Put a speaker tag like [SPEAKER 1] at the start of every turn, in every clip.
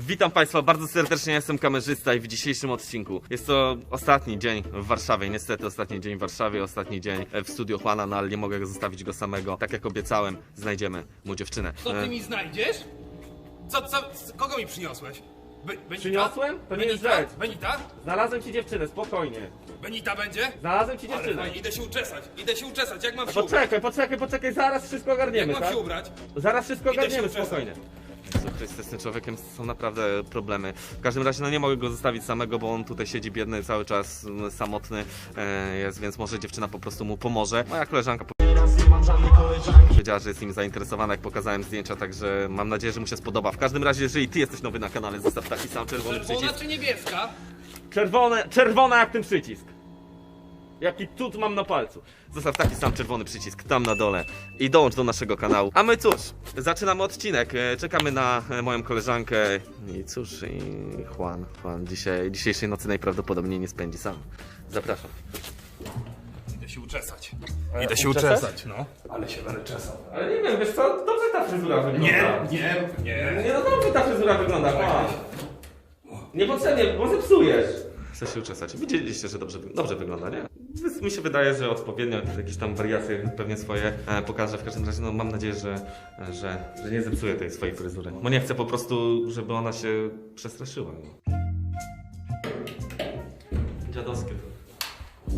[SPEAKER 1] Witam Państwa bardzo serdecznie, ja jestem kamerzysta i w dzisiejszym odcinku jest to ostatni dzień w Warszawie, niestety ostatni dzień w Warszawie, ostatni dzień w studiu Juana, no ale nie mogę zostawić go samego. Tak jak obiecałem, znajdziemy mu dziewczynę.
[SPEAKER 2] Co ty mi znajdziesz? Kogo mi przyniosłeś? Benita?
[SPEAKER 1] Przyniosłem? To nie jest rzecz.
[SPEAKER 2] Benita?
[SPEAKER 1] Znalazłem ci dziewczynę, spokojnie.
[SPEAKER 2] Benita będzie?
[SPEAKER 1] Znalazłem ci
[SPEAKER 2] Ale
[SPEAKER 1] dziewczynę.
[SPEAKER 2] fajnie, idę się uczesać, jak mam się ubrać?
[SPEAKER 1] Poczekaj, zaraz wszystko ogarniemy,
[SPEAKER 2] Jak mam
[SPEAKER 1] tak?
[SPEAKER 2] się ubrać?
[SPEAKER 1] Zaraz wszystko
[SPEAKER 2] Idę się
[SPEAKER 1] ogarniemy,
[SPEAKER 2] uczesać.
[SPEAKER 1] spokojnie. Jezu Chryste, z tym człowiekiem są naprawdę problemy. W każdym razie no nie mogę go zostawić samego, bo on tutaj siedzi biedny, cały czas samotny jest, więc może dziewczyna po prostu mu pomoże. Moja koleżanka powiedziała, że jest nim zainteresowana, jak pokazałem zdjęcia, także mam nadzieję, że mu się spodoba. W każdym razie, jeżeli ty jesteś nowy na kanale, zostaw taki sam czerwony
[SPEAKER 2] Czerwona
[SPEAKER 1] przycisk.
[SPEAKER 2] czy niebieska?
[SPEAKER 1] Czerwona jak ten przycisk. Jaki tut mam na palcu. Zostaw taki sam czerwony przycisk tam na dole i dołącz do naszego kanału. A my cóż, zaczynamy odcinek. Czekamy na moją koleżankę i cóż, i Juan dzisiejszej nocy najprawdopodobniej nie spędzi sam. Zapraszam.
[SPEAKER 2] Idę się uczesać.
[SPEAKER 1] Idę się uczesać?
[SPEAKER 2] No. Ale się będę czesał.
[SPEAKER 1] Ale nie wiem, wiesz co, dobrze ta fryzura wygląda.
[SPEAKER 2] Nie.
[SPEAKER 1] Nie, no dobrze ta fryzura wygląda, Juan. Niepotrzebnie, bo zepsujesz. Chcę się uczesać. Widzieliście, że dobrze wygląda, nie? Mi się wydaje, że odpowiednio jakieś tam wariacje pewnie swoje pokażę. W każdym razie no, mam nadzieję, że nie zepsuję tej swojej fryzury. Bo nie chcę po prostu, żeby ona się przestraszyła. No. Dziadowskie to.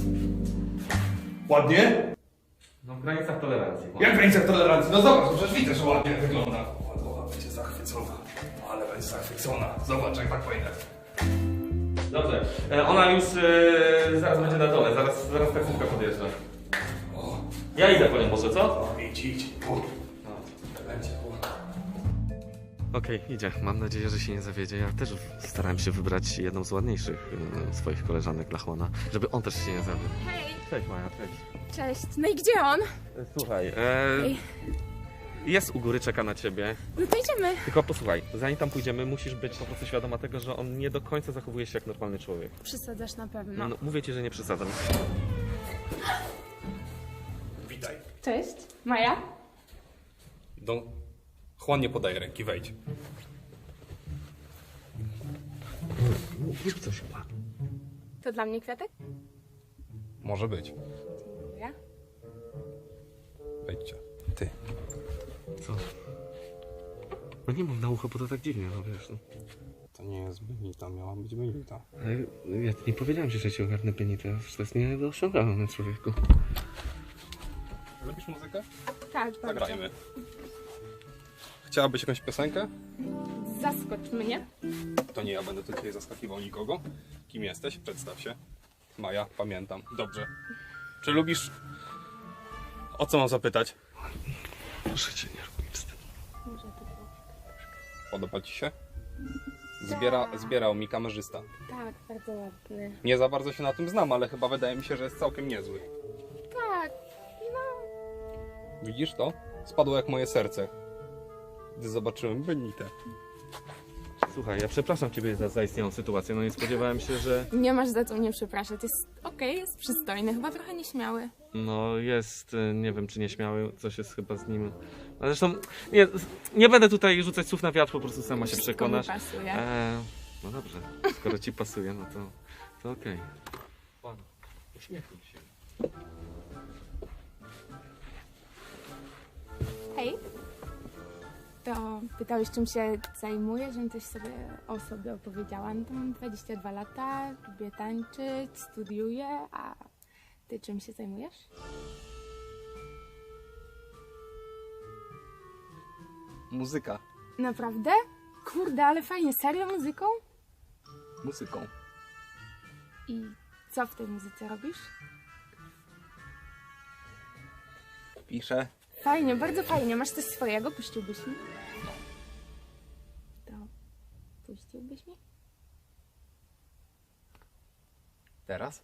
[SPEAKER 2] Ładnie?
[SPEAKER 1] No w granicach tolerancji.
[SPEAKER 2] Jak w granicach tolerancji? No zobacz, przecież widzę, że ładnie wygląda. Ładna będzie zachwycona. Ale będzie zachwycona. Zobacz, jak tak pójdę.
[SPEAKER 1] Dobrze, ona już zaraz będzie na dole, zaraz taksówka podjeżdża.
[SPEAKER 2] O,
[SPEAKER 1] Ja idę po nią może, co?
[SPEAKER 2] idź. Będzie.
[SPEAKER 1] Okej, idzie. Mam nadzieję, że się nie zawiedzie. Ja też starałem się wybrać jedną z ładniejszych swoich koleżanek dla Juana, żeby on też się nie zawiódł.
[SPEAKER 3] Hej,
[SPEAKER 1] Cześć Maja, cześć.
[SPEAKER 3] cześć. No i gdzie on?
[SPEAKER 1] Słuchaj,
[SPEAKER 3] Ej.
[SPEAKER 1] jest u góry, czeka na ciebie.
[SPEAKER 3] No to idziemy.
[SPEAKER 1] Tylko posłuchaj, zanim tam pójdziemy, musisz być po prostu świadoma tego, że on nie do końca zachowuje się jak normalny człowiek.
[SPEAKER 3] Przysadzasz na pewno.
[SPEAKER 1] No, mówię ci, że nie przesadzam.
[SPEAKER 2] Witaj.
[SPEAKER 3] Cześć. Maja?
[SPEAKER 2] Juan nie podaje ręki, wejdź.
[SPEAKER 1] Mów coś, Juan.
[SPEAKER 3] To dla mnie kwiatek?
[SPEAKER 2] Może być.
[SPEAKER 3] Dziękuję.
[SPEAKER 2] Wejdźcie. Ty.
[SPEAKER 1] Co? No nie mów na ucho, bo to tak dziwnie, no wiesz. No.
[SPEAKER 2] To nie jest Benita, miała być Benita.
[SPEAKER 1] Ale ja nie powiedziałem ci, że ci ogarnę penitę. To jest nie do osiągalne, człowieku.
[SPEAKER 2] Lubisz muzykę?
[SPEAKER 3] Tak, bardzo.
[SPEAKER 2] Zagrajmy. Chciałabyś jakąś piosenkę?
[SPEAKER 3] Zaskocz mnie.
[SPEAKER 2] To nie ja będę tu dzisiaj zaskakiwał nikogo. Kim jesteś? Przedstaw się. Maja, pamiętam. Dobrze. Czy lubisz... O co mam zapytać?
[SPEAKER 1] Proszę cię, nie rób mi wstydu.
[SPEAKER 3] Może to było.
[SPEAKER 2] Podoba ci się? Zbierał mi kamerzysta.
[SPEAKER 3] Tak, bardzo ładny.
[SPEAKER 2] Nie za bardzo się na tym znam, ale chyba wydaje mi się, że jest całkiem niezły.
[SPEAKER 3] Tak, no.
[SPEAKER 2] Widzisz to? Spadło jak moje serce, gdy zobaczyłem Benitę.
[SPEAKER 1] Słuchaj, ja przepraszam ciebie za zaistniałą sytuację, no nie spodziewałem się, że...
[SPEAKER 3] Nie masz za co mnie przepraszać. Jest okej, jest przystojny, chyba trochę nieśmiały.
[SPEAKER 1] No jest, nie wiem czy nieśmiały, coś jest chyba z nim... A zresztą, nie będę tutaj rzucać słów na wiatr, po prostu sama się
[SPEAKER 3] Wszystko
[SPEAKER 1] przekonasz.
[SPEAKER 3] mi pasuje.
[SPEAKER 1] No dobrze, skoro ci pasuje, no to okej. Pan, uśmiechnij się.
[SPEAKER 3] Hej. To pytałeś, czym się zajmuję, żebym coś o sobie opowiedziała. No to mam 22 lata, lubię tańczyć, studiuję, a ty czym się zajmujesz?
[SPEAKER 2] Muzyka.
[SPEAKER 3] Naprawdę? Kurde, ale fajnie, serio muzyką?
[SPEAKER 2] Muzyką.
[SPEAKER 3] I co w tej muzyce robisz?
[SPEAKER 2] Piszę.
[SPEAKER 3] Fajnie, bardzo fajnie. Masz coś swojego? Puściłbyś mi? To puściłbyś mi?
[SPEAKER 2] Teraz?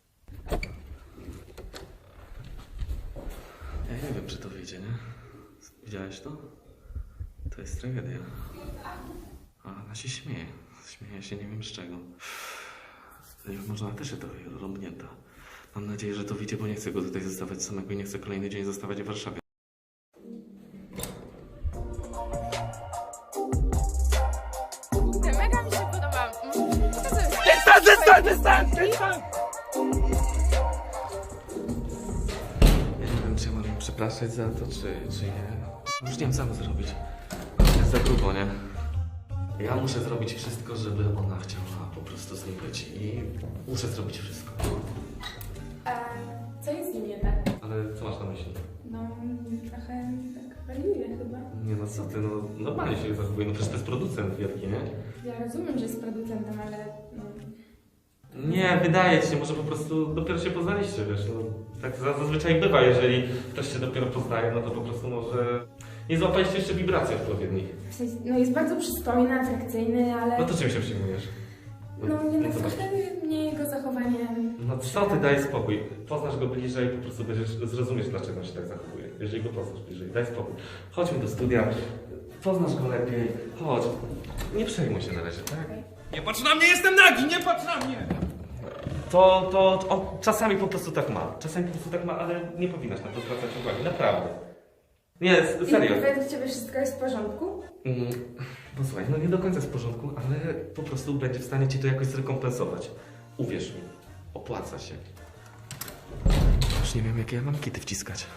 [SPEAKER 1] Ja nie wiem czy to wyjdzie, nie? Widziałeś to? To jest tragedia. A ona się śmieje. Śmieje się nie wiem z czego. Może ona też jest trochę rąbnięta. Mam nadzieję, że to wyjdzie, bo nie chcę go tutaj zostawiać samego i nie chcę kolejny dzień zostawać w Warszawie.
[SPEAKER 3] Kurde,
[SPEAKER 2] Przestań!
[SPEAKER 1] Ja nie wiem, czy ja mam przepraszać za to, czy nie. Już nie wiem, co mam zrobić. Jest za grubo, nie? Ja muszę zrobić wszystko, żeby ona chciała po prostu z nim być. I muszę zrobić wszystko.
[SPEAKER 3] A co jest z nim nie tak?
[SPEAKER 1] Ale co masz na myśli?
[SPEAKER 3] No, trochę tak wariuje chyba.
[SPEAKER 1] Nie no, co ty, no normalnie się zachowuje. No przecież to jest producent wielki, nie?
[SPEAKER 3] Ja rozumiem, że jest producentem, ale no,
[SPEAKER 1] Nie, wydaje ci się, może po prostu dopiero się poznaliście, wiesz, no. Tak zazwyczaj bywa, jeżeli ktoś się dopiero poznaje, no to po prostu może nie złapaliście jeszcze wibracji odpowiednich.
[SPEAKER 3] w sensie, no jest bardzo przystojny, atrakcyjny, ale
[SPEAKER 1] No to czym się przejmujesz?
[SPEAKER 3] no nie no,
[SPEAKER 1] zobacz.
[SPEAKER 3] trochę mnie jego zachowanie...
[SPEAKER 1] No co ty, daj spokój. Poznasz go bliżej, po prostu będziesz zrozumieć, dlaczego on się tak zachowuje. Jeżeli go poznasz bliżej, daj spokój. Chodźmy do studia, poznasz go lepiej, chodź. Nie przejmuj się na razie, tak?
[SPEAKER 2] Nie patrz na mnie, jestem nagi, nie patrz na mnie!
[SPEAKER 1] On czasami po prostu tak ma. Czasami po prostu tak ma, ale nie powinnaś na to zwracać uwagi, naprawdę. Nie, serio.
[SPEAKER 3] I według ciebie wszystko jest w porządku?
[SPEAKER 1] Posłuchaj, no nie do końca jest w porządku, ale po prostu będzie w stanie ci to jakoś zrekompensować. Uwierz mi, opłaca się. Już nie wiem, jakie ja mam kity wciskać.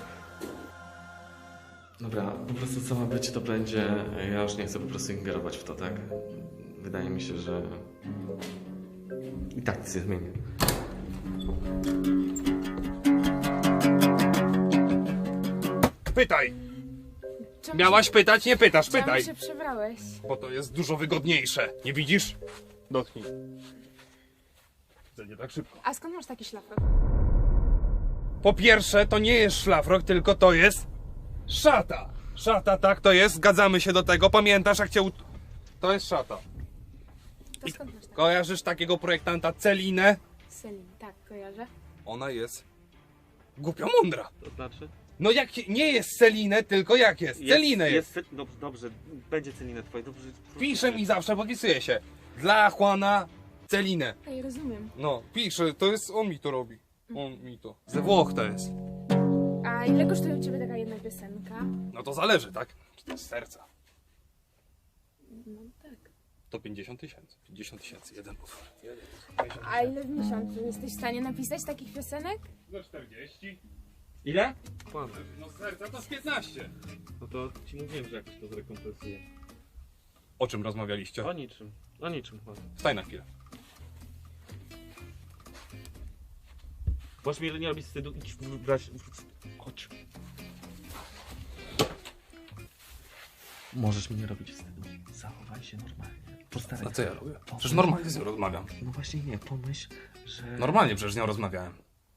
[SPEAKER 1] Dobra, po prostu co ma być, to będzie. Ja już nie chcę po prostu ingerować w to, tak? Wydaje mi się, że i tak nic nie zmieni.
[SPEAKER 2] Pytaj!
[SPEAKER 3] Czemu
[SPEAKER 2] Miałaś pytać, nie pytasz,
[SPEAKER 3] Czemu
[SPEAKER 2] pytaj!
[SPEAKER 3] się przebrałeś?
[SPEAKER 2] Bo to jest dużo wygodniejsze. Nie widzisz? Dotknij. To nie tak szybko.
[SPEAKER 3] A skąd masz taki szlafrok?
[SPEAKER 2] Po pierwsze, to nie jest szlafrok, tylko to jest szata. Szata, tak to jest, zgadzamy się do tego. Pamiętasz, jak cię To jest szata.
[SPEAKER 3] To skąd masz taki?
[SPEAKER 2] Kojarzysz takiego projektanta Celinę?
[SPEAKER 3] Selin, tak, kojarzę.
[SPEAKER 2] Ona jest głupio mądra.
[SPEAKER 1] To znaczy?
[SPEAKER 2] No jak nie jest Celinę, tylko jak jest? Celinę jest.
[SPEAKER 1] Dobrze, będzie Celinę twoje, dobrze.
[SPEAKER 2] Pisze mi zawsze, podpisuje się. Dla Juana Celinę.
[SPEAKER 3] Ej, rozumiem.
[SPEAKER 2] No, pisze, to jest, on mi to robi. On mi to. Ze Włoch to jest.
[SPEAKER 3] A ile kosztuje u ciebie taka jedna piosenka?
[SPEAKER 2] No to zależy, tak? Czy to jest z serca?
[SPEAKER 3] No tak.
[SPEAKER 2] To 50 000. 50 000, jeden utwór.
[SPEAKER 3] A ile w miesiącu? Jesteś w stanie napisać takich piosenek?
[SPEAKER 2] Za 40.
[SPEAKER 1] Ile?
[SPEAKER 2] No z serca to z 15.
[SPEAKER 1] No to ci mówiłem, że jakoś to zrekompensuje.
[SPEAKER 2] O czym rozmawialiście?
[SPEAKER 1] O niczym chodzi.
[SPEAKER 2] Staj na chwilę.
[SPEAKER 1] Możesz mi nie robić wstydu, idź brać. Chodź. Możesz mi nie robić wstydu. Zachowaj się normalnie. Postaraj
[SPEAKER 2] A co
[SPEAKER 1] się.
[SPEAKER 2] ja robię? Przecież normalnie z nią rozmawiam.
[SPEAKER 1] No właśnie nie, pomyśl, że...
[SPEAKER 2] Normalnie przecież z nią rozmawiałem.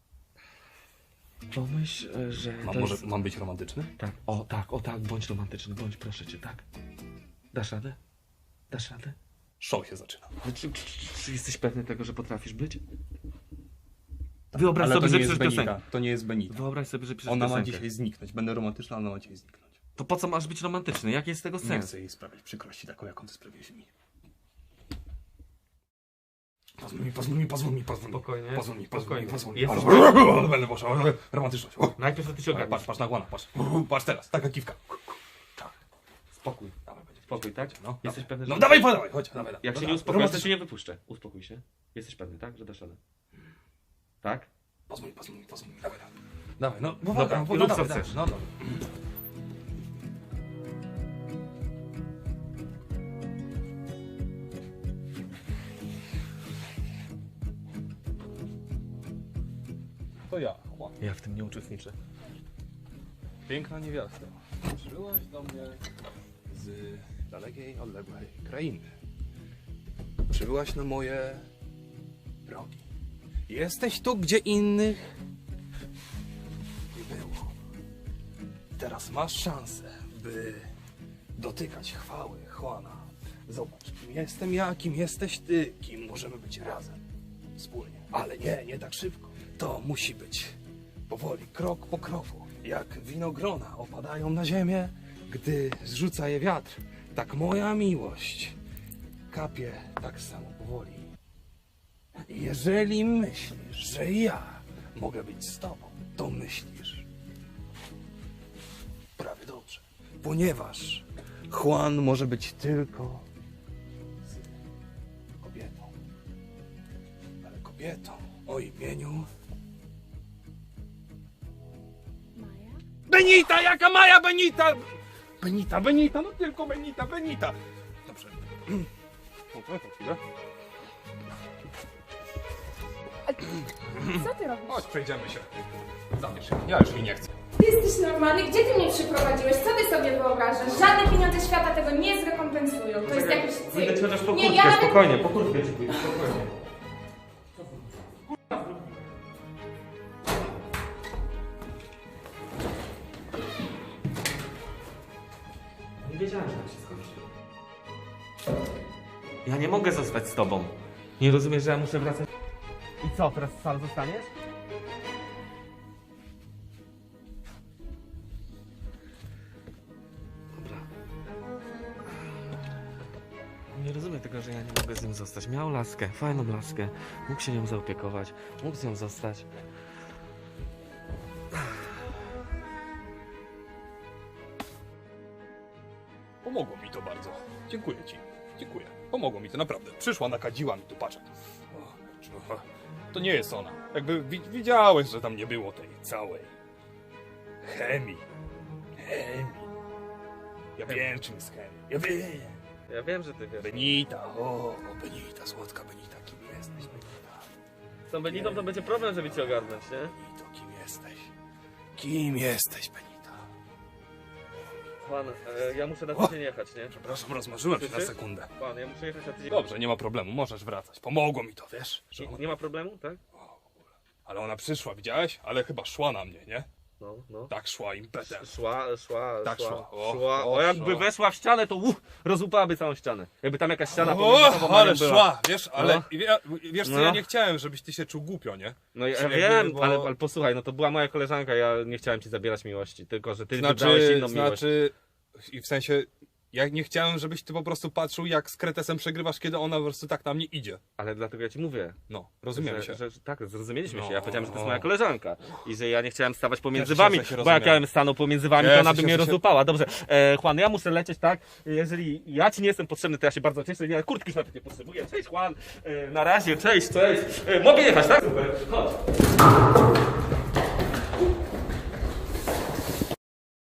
[SPEAKER 1] Pomyśl, że to
[SPEAKER 2] Może
[SPEAKER 1] jest...
[SPEAKER 2] mam być romantyczny?
[SPEAKER 1] Tak, o tak, bądź romantyczny, bądź, proszę cię, tak. Dasz radę? Dasz radę?
[SPEAKER 2] Show się zaczyna.
[SPEAKER 1] Czy jesteś pewny tego, że potrafisz być? Wyobraź
[SPEAKER 2] Ale
[SPEAKER 1] sobie,
[SPEAKER 2] to
[SPEAKER 1] że
[SPEAKER 2] nie jest
[SPEAKER 1] piszesz
[SPEAKER 2] Benika.
[SPEAKER 1] piosenkę.
[SPEAKER 2] To nie jest Benita.
[SPEAKER 1] Wyobraź sobie, że piszesz
[SPEAKER 2] Ona ma
[SPEAKER 1] piosenkę.
[SPEAKER 2] dzisiaj zniknąć. Będę romantyczna, ona ma dzisiaj zniknąć.
[SPEAKER 1] To po co masz być romantyczny? Jaki jest tego
[SPEAKER 2] Nie
[SPEAKER 1] sens?
[SPEAKER 2] chcę jej sprawiać przykrości taką, jaką ty sprawiłeś mi. Pozwól mi.
[SPEAKER 1] Spokojnie,
[SPEAKER 2] Pozwól mi.
[SPEAKER 1] Jesteś...
[SPEAKER 2] Będę poszła. Romantyczność.
[SPEAKER 1] Najpierw to ty się ogarniesz.
[SPEAKER 2] Patrz na Juana, patrz. Patrz teraz, taka kiwka.
[SPEAKER 1] Spokój.
[SPEAKER 2] Dawaj, będzie.
[SPEAKER 1] Spokój, tak?
[SPEAKER 2] No,
[SPEAKER 1] Jesteś pewny, że...
[SPEAKER 2] No dawaj, chodź, dawaj.
[SPEAKER 1] Jak się
[SPEAKER 2] No,
[SPEAKER 1] nie uspokoisz, to
[SPEAKER 2] romantyczność.
[SPEAKER 1] cię nie wypuszczę. Uspokój się. Jesteś pewny, tak? Że dasz radę. Tak?
[SPEAKER 2] Pozwól mi. Dawaj. Dawaj, no,
[SPEAKER 1] Dobra,
[SPEAKER 2] no,
[SPEAKER 1] rób co
[SPEAKER 2] dawaj,
[SPEAKER 1] chcesz.
[SPEAKER 2] No, dobra. To ja, Juan.
[SPEAKER 1] Ja w tym nie uczestniczę.
[SPEAKER 2] Piękna niewiasta. Przybyłaś do mnie z dalekiej, odległej krainy. Przybyłaś na moje progi. Jesteś tu, gdzie innych nie było. Teraz masz szansę, by dotykać chwały Juana. Zobacz, kim jestem ja, kim jesteś ty, kim możemy być razem, wspólnie. Ale nie tak szybko. To musi być powoli, krok po kroku. Jak winogrona opadają na ziemię, gdy zrzuca je wiatr. Tak moja miłość kapie tak samo powoli. Jeżeli myślisz, że ja mogę być z tobą, to myślisz prawie dobrze. Ponieważ Juan może być tylko z kobietą. kobietą o imieniu...
[SPEAKER 3] Maja?
[SPEAKER 2] Benita! Jaka Maja Benita? Benita, no tylko Benita. Dobrze. Chwilę.
[SPEAKER 3] Co ty robisz?
[SPEAKER 2] Chodź, przejdziemy się. Zabierz się. Ja już jej nie chcę.
[SPEAKER 3] Ty jesteś normalny? Gdzie ty mnie przyprowadziłeś? Co ty sobie wyobrażasz? Żadne pieniądze świata tego nie zrekompensują. To jest jakiś
[SPEAKER 1] Pójdę ci
[SPEAKER 3] cyrk.
[SPEAKER 1] chociaż po
[SPEAKER 3] Nie,
[SPEAKER 1] kurtkę,
[SPEAKER 3] ja nawet...
[SPEAKER 1] spokojnie, po kurtkę ci pójdę, spokojnie. Nie wiedziałem, że tak się skończy. Ja nie mogę zostać z tobą. Nie rozumiesz, że ja muszę wracać? I co, teraz sam zostaniesz? Dobra. Nie rozumiem tego, że ja nie mogę z nim zostać. Miał laskę, fajną laskę. Mógł się nią zaopiekować. Mógł z nią zostać.
[SPEAKER 2] Pomogło mi to bardzo. Dziękuję ci. Dziękuję. Pomogło mi to naprawdę. Przyszła, nakadziła mi tu, patrz. To nie jest ona. Jakby widziałeś, że tam nie było tej całej chemii. Ja wiem, czym jest chemia. Ja wiem.
[SPEAKER 1] Ja wiem, że ty wiesz.
[SPEAKER 2] Benita, Benita, słodka Benita, kim jesteś, Benita?
[SPEAKER 1] Z tą Benitą to będzie problem, żeby cię ogarnąć, nie?
[SPEAKER 2] Benito, kim jesteś? Kim jesteś, Benita?
[SPEAKER 1] Pan, ja muszę na tydzień jechać, nie?
[SPEAKER 2] Przepraszam, rozmarzyłem się na
[SPEAKER 1] Słyszysz?
[SPEAKER 2] sekundę.
[SPEAKER 1] Pan, ja muszę jechać na tydzień.
[SPEAKER 2] Dobrze, nie ma problemu, możesz wracać. Pomogło mi to, wiesz? Że
[SPEAKER 1] Nie ma problemu, tak?
[SPEAKER 2] Ale ona przyszła, widziałeś? Ale chyba szła na mnie, nie?
[SPEAKER 1] No.
[SPEAKER 2] Tak szła impetem.
[SPEAKER 1] Szła.
[SPEAKER 2] Tak szła.
[SPEAKER 1] O, jakby
[SPEAKER 2] szła.
[SPEAKER 1] weszła w ścianę, to łupałaby całą ścianę. Jakby tam jakaś ściana pomiędzy
[SPEAKER 2] O,
[SPEAKER 1] tobą a
[SPEAKER 2] ale
[SPEAKER 1] nią była.
[SPEAKER 2] szła, wiesz, ale
[SPEAKER 1] No.
[SPEAKER 2] wiesz co,
[SPEAKER 1] No.
[SPEAKER 2] ja nie chciałem, żebyś ty się czuł głupio, nie?
[SPEAKER 1] No ja
[SPEAKER 2] Czyli
[SPEAKER 1] wiem,
[SPEAKER 2] jakby, bo-
[SPEAKER 1] ale posłuchaj, no to była moja koleżanka, ja nie chciałem ci zabierać miłości, tylko że ty wybrałeś inną miłość.
[SPEAKER 2] Znaczy, i w sensie, ja nie chciałem, żebyś ty po prostu patrzył, jak z kretesem przegrywasz, kiedy ona po prostu tak na mnie idzie.
[SPEAKER 1] Ale dlatego ja ci mówię.
[SPEAKER 2] No, rozumiemy się.
[SPEAKER 1] Że tak, zrozumieliśmy
[SPEAKER 2] No.
[SPEAKER 1] się. Ja powiedziałem, że to jest moja koleżanka i że ja nie chciałem stawać pomiędzy
[SPEAKER 2] Cieszę się,
[SPEAKER 1] wami,
[SPEAKER 2] że się
[SPEAKER 1] bo jak ja
[SPEAKER 2] rozumiemy.
[SPEAKER 1] bym stanął pomiędzy wami, to
[SPEAKER 2] Cieszę
[SPEAKER 1] ona by
[SPEAKER 2] się,
[SPEAKER 1] mnie
[SPEAKER 2] że się-
[SPEAKER 1] rozdupała. Dobrze, Juan, ja muszę lecieć, tak? Jeżeli ja ci nie jestem potrzebny, to ja się bardzo cieszę. Ja kurtki już nawet nie potrzebuję. Cześć, Juan. Na razie, cześć. Mogę jechać, tak? Super, chodź.